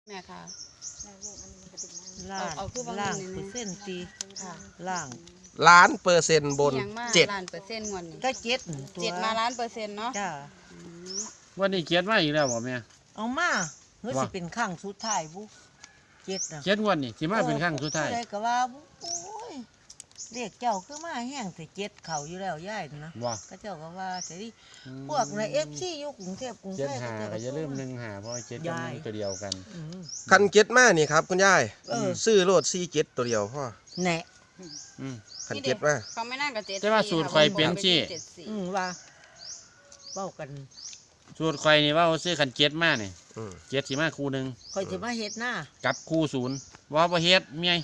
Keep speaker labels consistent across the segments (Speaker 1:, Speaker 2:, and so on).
Speaker 1: แม่ค่ะ
Speaker 2: ล่างล่างเปอร์เซ็นต์ตีล่าง
Speaker 3: 1,000,000%บน7%
Speaker 1: 1,000,000%งวดนี้
Speaker 2: ก็7ตัว
Speaker 1: 7มา1,000,000%เนาะ
Speaker 2: จ้า
Speaker 4: วันนี้เกียรติมาอีกแล้วบ่แม่
Speaker 2: เอามาเฮ้ยสิเป็นข้างสุดท้ายบุ7น่ะ
Speaker 4: เกียรติวันนี้สิมาเป็นครั้งสุดท้าย
Speaker 2: ได้ก็ว่าโอ้ยเรียกเจ้าคือมาแห้งแต่7เข้าอยู่แล้วยายนะ
Speaker 4: ว่า
Speaker 2: ก็เจ้าก็ว่าแต่ดิพวกใน FC อยู่กรุงเทพกรุง
Speaker 4: เจ็
Speaker 2: ไท
Speaker 4: ด
Speaker 2: ย
Speaker 4: หาก็อย่าลืม1 5เพราะเจ็ดกับ1ตัวเดียวกัน
Speaker 3: คัน7มานี่ครับคุณยาย ซื้อโลด47ตัวเดียวพ่อ
Speaker 2: แหน่
Speaker 3: คัน7มา
Speaker 1: เขาไม่นั่งกับ7
Speaker 4: แต่ว่าสูตรข่อยเป็นสิ
Speaker 2: ว่าเว้ากัน
Speaker 4: สูตรข่อยนี่ว่าซื้อคันเจ็ดมานี่เจ็ดสิมาคู่หนึง
Speaker 2: ค่อยสิมาเฮ็ดหน้า
Speaker 4: กับคู่ศูนย์ว่าบ่เฮ็ดเมีย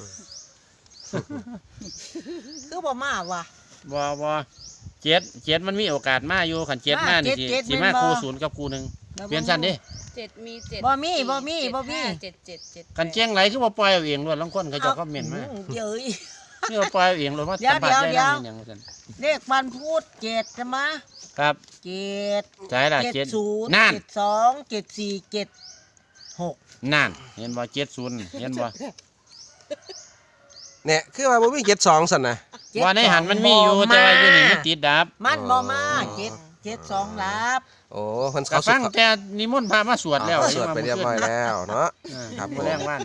Speaker 2: คือบ่มาว่ะ
Speaker 4: บ่เจ็ดมันมีโอกาสมาอยู่คันเจ็ดมานี่สิมาคู่ศูนย์กับคู่หนึงเปลี่ยนชั้นดิ
Speaker 1: 7มี7
Speaker 2: บ่มี
Speaker 1: 7
Speaker 4: กันแจ้งไหลคือบ่ปล่อยเอาเองล้วนลางคนเขาเจะคอมเมนต์มา
Speaker 2: เย้ย
Speaker 4: นี่บ่ปล่อยเอาเองล้วนว่า
Speaker 2: เดี๋ยว
Speaker 4: สัมผัสได้
Speaker 2: เดี๋ยว
Speaker 4: นั่นนี่หยังว่าซั่น
Speaker 2: เลขวันพูด7ใช่ไหม
Speaker 4: ครับ
Speaker 2: 7
Speaker 4: ใช่ล่ะเจ็ด
Speaker 2: 70
Speaker 4: นั่น
Speaker 2: 72 74 76
Speaker 4: นั่นเห็นบ่70เห็นบ่
Speaker 3: เนี่ยคือว่าบ่มี72ซั่นน่ะ
Speaker 4: ว่าในหันมันมีอยู่แต่ว่าอยู่นี่มันติดดับ
Speaker 2: มันบ่มา72รับ
Speaker 3: โอ้เพิ่น
Speaker 4: ก็
Speaker 3: เขาสุ
Speaker 4: ฟั
Speaker 3: ด
Speaker 4: งแต่นิมนต์พระมาสวดแล้ว
Speaker 3: สวดไปเรียบร้อยแล้วเนาะ
Speaker 4: ครับ แรงวัน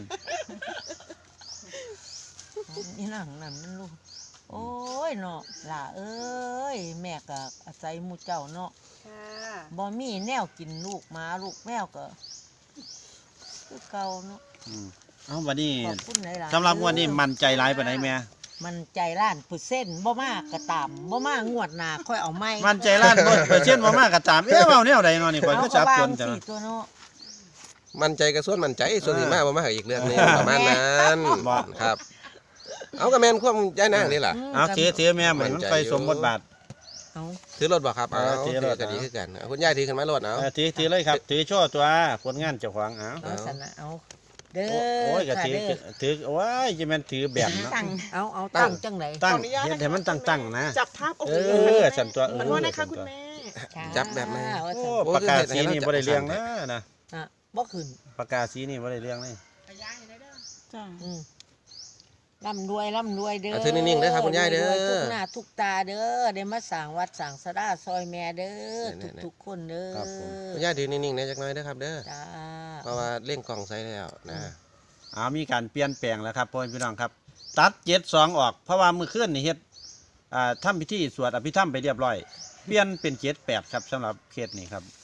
Speaker 2: นี่นั่งนั่นมันลูกโอ้ยเนาะล่ะเอ้ยแม่ก็อาศัยหมู่เจ้าเนาะ
Speaker 1: ค่ะ
Speaker 2: บ่มีแนวกินลูกหมาลูกแมวก็คือเก่าเนาะ
Speaker 4: เอาวันนี้
Speaker 2: ขอบคุณหลายๆ
Speaker 4: สำหรับงวดนี้มันใจร้ายปานใดแม่
Speaker 2: มันใจล้าน1%บ่มากก็ตามบ่มางวดหน้าค่อยเอาใหม่
Speaker 4: มันใจล้าน100%บ่มากก็ตามเอ๊ะเว้าแนวใดเนาะนี่ข่อยก็จับจนจัง
Speaker 2: เอาก็วางสิตัวเนาะ
Speaker 3: มั่นใจก็ส่วนมั่นใจส่วนสิมาบ่มาอีกเรื่องหนึงประมาณนั้นครับ เอาก็แม่นความยายนางนี่ล่ะ
Speaker 4: เอาถือแม่เหมือนมันไปสมบทบาท
Speaker 2: เอา
Speaker 3: ถือรถบ่ครับเอา
Speaker 4: ถื
Speaker 3: ถื
Speaker 4: อ
Speaker 3: อ
Speaker 4: รถ
Speaker 3: ก็ดีคือกันเอาคุณยายถือขึ้นมารถเอา
Speaker 4: ถือเลยครับ ถือโชว์ตัวผลงานเจ้าของเอา
Speaker 2: เอาสันนะเอาเด้อ
Speaker 4: โอ้ยก็
Speaker 2: ค่ะ
Speaker 4: ถือ
Speaker 2: เด้อ
Speaker 4: ถือโอ้ยจะแม่นถือแบบเนาะ
Speaker 2: ตั้งเอาตั้งจังไหน
Speaker 4: ตั้งเฮ็ดให้มันตั้งๆนะ
Speaker 5: จับภาพโอ
Speaker 4: เอ
Speaker 5: เค
Speaker 4: อสั่นตัว
Speaker 5: มันว่านะคะคุณแม่
Speaker 3: จับแบบนั้น
Speaker 2: ค่ะว่า
Speaker 4: โอ้
Speaker 2: ซั่น
Speaker 4: ปากกาสีนี่บ่ได้เรื่องนะ
Speaker 2: อ่ะบ่ขึ้น
Speaker 4: ปากกาสีนี่บ่ได้เรื่องเลย
Speaker 5: จ้า
Speaker 2: ร่ำรวยเด้อ
Speaker 3: เอาถือนิ่งๆเด้อครับคุณยายเด้อ
Speaker 2: รวทุกหน้าทุกตาเด้อได้มาสร้างวัดสร้างศาลาซอยแม่เด้อ
Speaker 3: เนี่ย
Speaker 2: ทุกๆคนเด้อ
Speaker 3: คุณยายถือนิ่งๆนะจักหน่อยเด้อครับเด้อ
Speaker 2: จ้า
Speaker 3: เพราะว่าเล่งกล่องใส่แล้วนะ
Speaker 4: มีการเปลี่ยนแปลงแล้วครับพ่อพี่น้องครับ ตัด72ออกเพราะว่ามื้อคืนนี่เฮ็ดทำพิธีสวดอภิธรรมไปเรียบร้อย เปลี่ยนเป็น78ครับสำหรับเคสนี้ครับ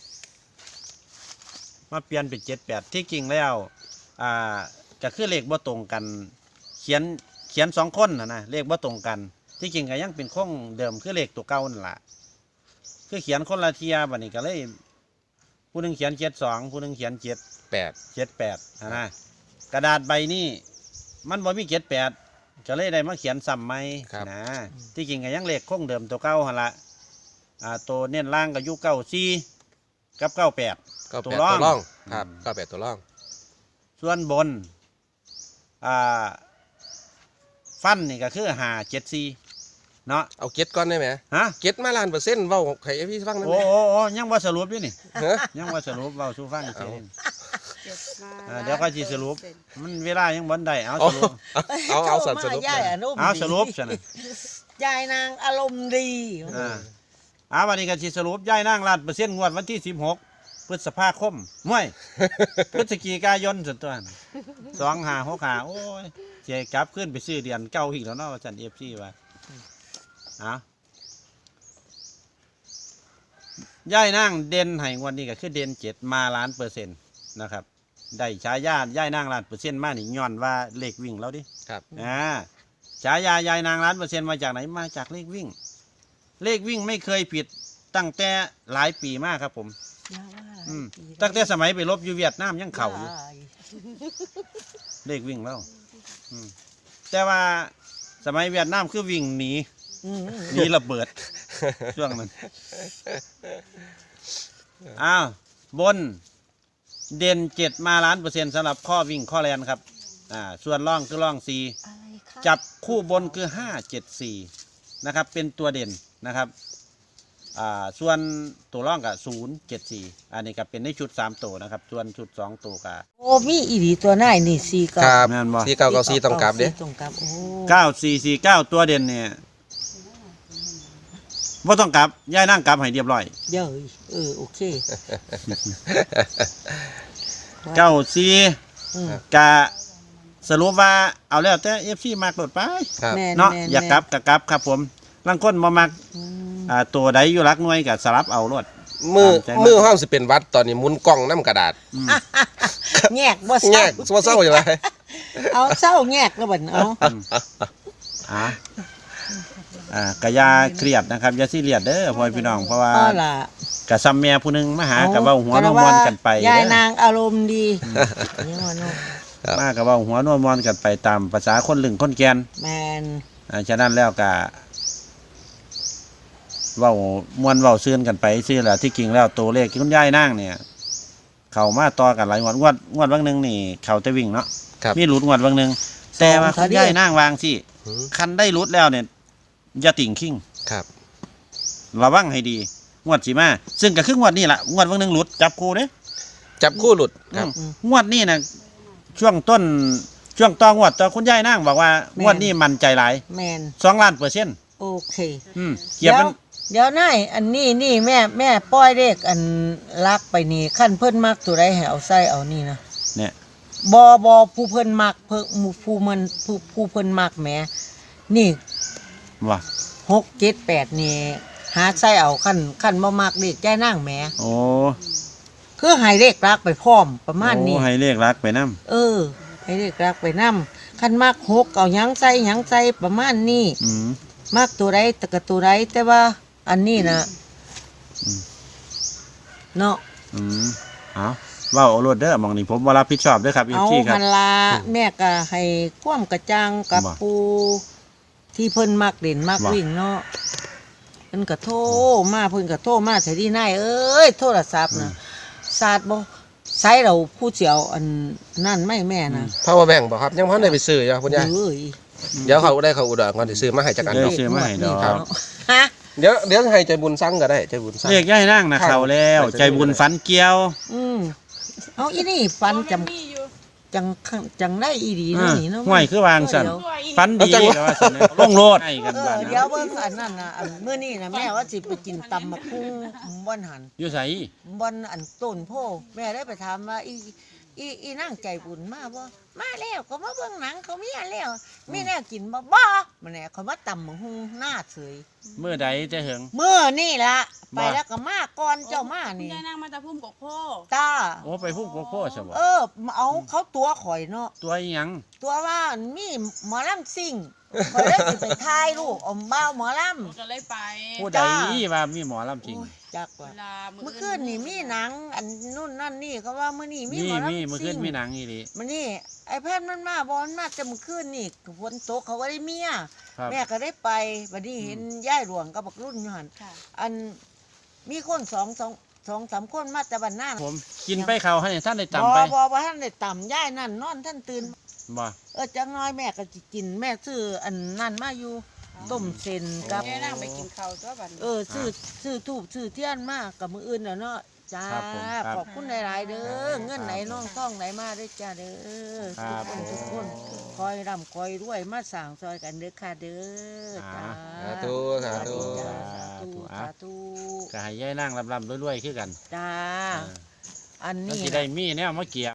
Speaker 4: มาเปลี่ยนเป็น78ที่จริงแล้วก็คือเลขบ่ตรงกันเขียน2คนนะเลขบ่ตรงกันที่จริงก็ยังเป็นคงเดิมคือเลขตัวเก่านั่นล่ะคือเขียนคนละเทียบัดนี้ก็เลยผู้หนึงเขียน72ผู้หนึงเขียน78นะกระดาษใบนี้มันบ่มี78ก็เลยได้มาเขียนซ้ำใหม่นะที่จริงก็ยังเลขคงเดิมตัวเก่าหั่นล่ะตัวเน้นล่างก็อยู่94กับ98
Speaker 3: ตัวร่องครับ98ตัวร่อง
Speaker 4: ส่วนบนฟันนี่ก็คือ574เนาะ
Speaker 3: เอาเก็ตก่อนได้ไหม
Speaker 4: ฮะ
Speaker 3: เก็ตมา1,000%เว้าให้พี่ฟังได้ไหม
Speaker 4: โอ้ยังว่าสรุปอยู่นี่
Speaker 3: ฮะ
Speaker 4: ยังว่าสรุปเว้าสู่ฟังอีกทีหนึ่ง
Speaker 1: 7มา
Speaker 4: เดี๋ยวก็สิสรุปมันเวลายังบ่ได้เอา
Speaker 3: อ๋อ
Speaker 4: สรุป
Speaker 3: เอาสัตว์สรุป
Speaker 2: ยายอนุ
Speaker 4: เอาสรุปซะนะ
Speaker 2: ยายนางอารมณ์ดี
Speaker 4: วันนี้ก็สิสรุปย้ายนาง1,000,000งวดวันที่16พฤษภาคมม่วยพฤศจิกายนส่วนตัว2565โอ้ยสิกลับขึ้นไปซื้อเดือนเก่าอีกแล้วเนาะว่าซั่น FC ว่าย้ายนางเด่นให้งวดนี้ก็คือเด่น7มา1,000,000%นะครับได้ฉายาย้ายนาง1,000,000มานี่ย้อนว่าเลขวิ่งแล้วดิ
Speaker 3: ครับ
Speaker 4: ฉายายายนาง1,000,000มาจากไหนมาจากเลขวิ่ง เลขวิ่งไม่เคยผิดตั้งแต่หลายปีมากครับผมตั้งแต่สมัยไปรบอยู่เวียดนามยังเข่าอยู่เลขวิ่งแล้วแต่ว่าสมัยเวียดนามคือวิ่งหนีระเบิดช่วงนั้นบนเด่น7มา1,000,000สำหรับข้อวิ่งข้อแลนครับส่วนล่องคือล่อง4จับคู่บนคือ574นะครับเป็นตัวเด่นนะครับส่วนตัวร่องกับ074อันนี้ก็เป็นในชุด3ตัวนะครับส่วนชุด2ตัวก็
Speaker 2: โอ้มีอีหลีตัวหน้านี่สี่เก้า
Speaker 3: ครับ
Speaker 4: แม่นบ่
Speaker 3: 4994ต้องกลับเด้
Speaker 2: ต้องกลับโอ้
Speaker 4: 9449ตัวเด่นเนี่ยบ่ต้องกลับย้ายนั่งกลับให้เรียบร้อย
Speaker 2: เดี๋ยวโอเค
Speaker 4: 94
Speaker 2: อืม
Speaker 4: กะสรุปว่าเอาแล้วแต่ FC มักโดดไป
Speaker 3: ครับ
Speaker 2: แม่
Speaker 4: เนาะ
Speaker 2: แม่
Speaker 4: อยากกลับก็กลับครับผมลางคนบ่มัก
Speaker 2: อืม
Speaker 4: ตัวใดอยู่รักหน่วยก็สลับเอาโลด
Speaker 3: มือ
Speaker 4: ตามใจมาก
Speaker 3: มือห้องสิเป็นวัดตอนนี้หมุนกล้องน้ำกระดาษ
Speaker 2: แยกบ่
Speaker 3: แย
Speaker 2: เศร้าก
Speaker 3: เศร้าอย่างไร
Speaker 2: เอาเศร้าแยกแล้วบัดเอา
Speaker 4: กะยาเครียดนะครับอย่าซีเรียสเด้อพ่อพี่น้องเพราะว่า
Speaker 2: อ้อล่ะ
Speaker 4: กะซ้ำแม่ผู้หนึงมาหากะเว้าหัวโนมอนกันไป
Speaker 2: ยาย
Speaker 4: เด้อน
Speaker 2: างอารมณ์ดีนี่ว่าเนาะ
Speaker 4: มากะเว้าหัวโนมอนกันไปตามภาษาคนลึงคนแกน
Speaker 2: แมน
Speaker 4: ฉะนั้นแล้วกะเว้ามวนเว้าซื่นกันไปซื่อแหละที่จริงแล้วตัวเลขที่คุณยายนางเนี่ย เข้ามาต่อกันหลายงวดบางหนึงนี่เข้าแต่วิ่งเนาะ
Speaker 3: ครับ
Speaker 4: มีหลุดงวดบางหนึงแต่ว่าคุณยายนางวางสิ
Speaker 3: อืม
Speaker 4: คันได้หลุดแล้วเนี่ยอย่าติ่งขิง
Speaker 3: ครับ
Speaker 4: ระวังให้ดีงวดสีมาซึ่งก็คืองวดนี้แหละงวดวันหนึ่งหลุดจับคู่เด้
Speaker 3: จับคู่หลุดครับ
Speaker 4: งวดนี้นะช่วงต้นช่วงต่องวดต่อคุณยายนั่งบอกว่างวดนี้มันใจหลาย
Speaker 2: แมน
Speaker 4: 2,000,000%
Speaker 2: โอเค
Speaker 4: เกียบมัน
Speaker 2: เดี๋ยวนายอันนี้แม่ป้อยเลขอันลักไปนี่ขั้นเพิ่นมักตัวใดให้เอาใส่เอานี่นะ
Speaker 4: เนี่ย
Speaker 2: บผู้เพิ่นมักเพิ่นผู้เพิ่นมักแหมนี่
Speaker 4: ว่า
Speaker 2: 6 7 8นี่หาใส่เอาขั้นบ่มักเลขใจนางแหม
Speaker 4: โอ้
Speaker 2: คือให้เลขลักไปพร้อมประมาณนี้
Speaker 4: โอ้ให้เลขรักไปนํ
Speaker 2: ให้เลขลักไปนำขั้นมัก6เอาหยังใส่ประมาณนี้
Speaker 4: อืม
Speaker 2: มักตัวใดแต่ก็ตัวใดแต่ว่าอันนี้นะเนาะ
Speaker 4: เอาเว้าเอาโลดเด้อหมองนี้ผมบ่รับผิดชอบเด้อครับ
Speaker 2: เอา
Speaker 4: FC ครั
Speaker 2: พั
Speaker 4: บ
Speaker 2: นลาแม่ก็ให้ความกระจ่างกับ
Speaker 4: บ่
Speaker 2: ปูที่เพิ่นมักเด่นมัก
Speaker 4: บ่
Speaker 2: วิ่งเนาะเพิ่นก็โทรมาเพิ่นก็โทรมาใส่ดีนายเอ้ยโทรศัพท์นะศาสตร์บ่ใช้เราผู้เจียวอันนั่นไม่แม่นะ
Speaker 3: power bank บ่ครับยังบ่ทันได้ไปซื้ออยู่คุณยาย
Speaker 2: เอ้ย
Speaker 3: เดี๋ยวเขาได้เขาอุดรก่อนสิซื้อมาให้จักอัน
Speaker 4: เดี๋ยว
Speaker 3: เนาะ
Speaker 4: ซื้อมาให้ดอก
Speaker 2: เนาะฮะ
Speaker 3: เดี๋ยวให้ใจบุญสั่งก็ได้ใจบุญสั่ง
Speaker 4: เลขยายนั่งนะเข้าแล้ว ใจบุญฝันเกี่ยว
Speaker 2: เอาอีนี่ฟันจำ
Speaker 5: มีอยู่
Speaker 2: จังได้อีดีนะนี่เนาะ
Speaker 4: ห้วยคือวางสั่น
Speaker 2: เดี๋ยว
Speaker 4: ฝันดีก็ว่าซั่นนะลงโลดให้กันบ้าน
Speaker 2: เดี๋ยวเบิ่งอันนั้นนะอันมื้อนี้นะแม่ว่าสิไปกินตำบักหุ่งบ่อนหัน
Speaker 4: อยู่ไส
Speaker 2: บอนอันต้นโพแม่ได้ไปถามว่าอีนั่งใจบุญมาบ่มาแล้วก็มาเบิ่งหนังเขามีอันแล้วมีแนวกินบ่มันแหน่เขามาตำบักหุ่งหน้าเฉย
Speaker 4: มื้อใดจะเหิง
Speaker 2: มื้อนี่ล่ะ
Speaker 4: บ่
Speaker 2: ไปแล้วก็มาก่อนเจ้ามา
Speaker 5: คุณ
Speaker 2: นี่
Speaker 5: ยายนางมาจากพุ่มกกโพ
Speaker 2: จ้า
Speaker 4: โอ้ไปพุ่งโกโก้ซะบ่
Speaker 2: เอาเขาตัวข่อยเนาะ
Speaker 4: ตัวอีหยัง
Speaker 2: ตัวว่ามีหมอลำซิ่งข่อยได้สิไปถ่ายรูปอมบ้าวหมอลำ
Speaker 5: ก็เลยไป
Speaker 4: ผู้ใดว่ามีหมอลำจริง
Speaker 2: โอ้ยจักว่า
Speaker 5: เวลา
Speaker 2: เมื่อคืนนี่มีหนังอันนู่นนั่นนี่เขาว่ามื้อนี้มีหมอลำซิ่ง
Speaker 4: เมื่อคืนมีหนังอีหลี
Speaker 2: มันนี่ไอ้แพทย์มันมาบอลมาแต่เมื่อคืนนี่ฝนตกเขาก็ได้เมีย
Speaker 4: ครับ
Speaker 2: แม่ก็ได้ไปบัดนี้เห็นย่ายหลวงกับบักรุ่นอยู่หัน
Speaker 5: ค่ะ
Speaker 2: อันมีคนสองสามคนมาแต่บ้านหน้า
Speaker 4: ผมกินไปเขาให้ท่านได้
Speaker 2: บ
Speaker 4: จำไป
Speaker 2: บ่ท่านได้ต่ำย่ายนั่นนอนท่านตื่น
Speaker 4: บ่
Speaker 2: จังน้อยแม่ก็สิกินแม่ซื้ออันนั่นมาอยู่ต้มเส้นกับ
Speaker 5: ยายนางไปกินข้าวตัวบัดนี้
Speaker 2: ซื้อทูบซื้อเทียนมากับมืออื่นน่ะเนาะจ้า
Speaker 4: ครับผมครับ
Speaker 2: ขอบคุณหลายๆเด้อเงินไหนน้องท่องไหนมาเด้อจ้าเด้อ
Speaker 4: ครับ
Speaker 2: ทุกคนคอยร่ำคอยรวยมาสั่งซอยกันเด้อค่ะเด้อจ้า
Speaker 3: สาธุสาธุ
Speaker 2: จ้าสาธุสาธุ
Speaker 4: ก็ให้ยายนั่งลำๆรวยๆคือกัน
Speaker 2: จ้า
Speaker 4: เออ
Speaker 2: อัน
Speaker 4: มัน
Speaker 2: นี้
Speaker 4: สิได้มีแนวมาเกี่ยว